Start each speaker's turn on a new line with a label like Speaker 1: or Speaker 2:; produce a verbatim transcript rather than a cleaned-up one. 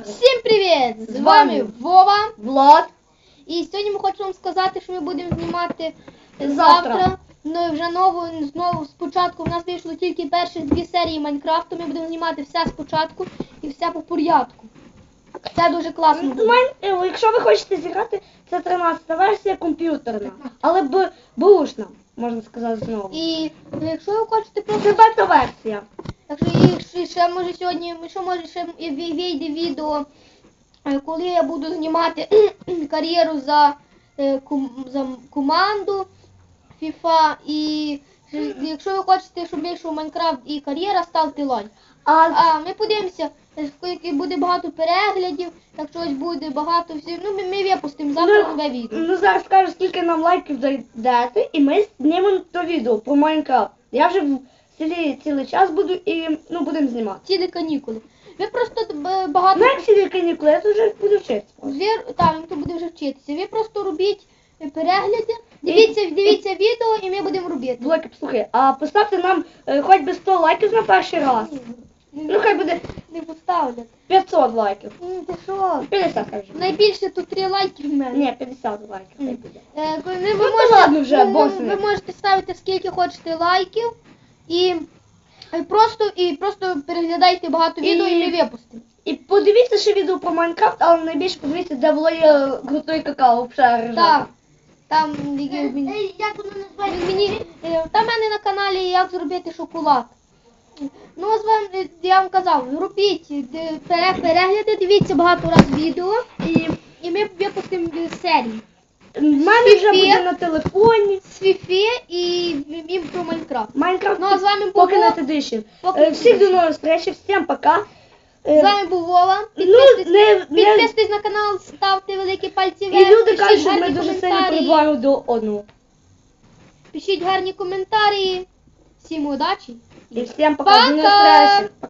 Speaker 1: Всім привіт! З вами Вова,
Speaker 2: Влад.
Speaker 1: І сьогодні ми хочемо вам сказати, що ми будемо знімати
Speaker 2: Завтра.
Speaker 1: завтра. Ну і вже нову, знову спочатку. У нас вийшло тільки перші дві серії Майнкрафту. Ми будемо знімати все спочатку і все по порядку. Це дуже класно буде.
Speaker 2: Майн... Якщо ви хочете зіграти, це тринадцята версія комп'ютерна. Але б... бушна, можна сказати знову.
Speaker 1: І ну, якщо ви хочете просто...
Speaker 2: Це бета-версія.
Speaker 1: Якщо і ще може сьогодні, що може ще і вийде відео, е, коли я буду знімати кар'єру за, е, ком, за команду FIFA. І е, якщо ви хочете, щоб вийшов Майнкрафт і кар'єра, ставте лайк.
Speaker 2: А,
Speaker 1: А ми подивимося, скільки буде багато переглядів, якщо ось буде багато всіх. Ну ми, ми випустимо завтра нове відео.
Speaker 2: ну зараз скажу, скільки нам лайків дайте, і ми знімемо то відео про Майнкрафт. Я вже в селі цілий час буду і ну будемо знімати.
Speaker 1: Цілі канікули. Ви просто е, багато...
Speaker 2: Ну як цілі канікули, я тут вже буду вчитися.
Speaker 1: Ви, так, він тут буде вже вчитися. Ви просто робіть перегляди, дивіться, дивіться відео і ми будемо робити.
Speaker 2: Блоки, послухай, а поставте нам е, хоч би сто лайків на перший раз. Ну хай буде
Speaker 1: Не поставлять.
Speaker 2: п'ятсот лайків.
Speaker 1: М, Ти що?
Speaker 2: п'ятдесят хай вже.
Speaker 1: Найбільше тут три лайки в мене.
Speaker 2: Ні, п'ятдесят лайків хай буде.
Speaker 1: Е, ви, ви,
Speaker 2: Ну,
Speaker 1: можете,
Speaker 2: ладно вже,
Speaker 1: ви, ви,
Speaker 2: босни.
Speaker 1: ви можете ставити скільки хочете лайків і, і просто і просто переглядайте багато
Speaker 2: І-
Speaker 1: відео і ми випустимо.
Speaker 2: І подивіться ще відео про Майнкрафт, але найбільше подивіться, де Володя готує какао в шарі.
Speaker 1: Так. Там які мені,
Speaker 3: Як воно називається?
Speaker 1: мені е, там в мене на каналі як зробити шоколад. Ну, з вами я вам казав, робіть е, пере- перегляди, дивіться багато раз відео і, і ми випустимо е, серії.
Speaker 2: В мене вже
Speaker 1: Фіфі.
Speaker 2: буде на телефоні.
Speaker 1: З Фіфі і, і про Майнкрафт.
Speaker 2: Майнкрафт
Speaker 1: Ну, а з вами був
Speaker 2: Pocket
Speaker 1: Вов.
Speaker 2: Edition.
Speaker 1: Pocket
Speaker 2: Е, Всіх
Speaker 1: Edition.
Speaker 2: до нових зустрічі, всім пока. Е,
Speaker 1: З вами був Вова.
Speaker 2: Ну,
Speaker 1: Підписуйтесь,
Speaker 2: не, не...
Speaker 1: підписуйтесь на канал, ставте великі пальці вверх.
Speaker 2: І люди
Speaker 1: пишіть
Speaker 2: кажуть, що ми
Speaker 1: гарні
Speaker 2: дуже сильно
Speaker 1: коментарі.
Speaker 2: прибуваємо до одного.
Speaker 1: Пишіть гарні коментарі. Всім удачі.
Speaker 2: І всім пока, до нових
Speaker 1: Пока!
Speaker 2: зустрічі.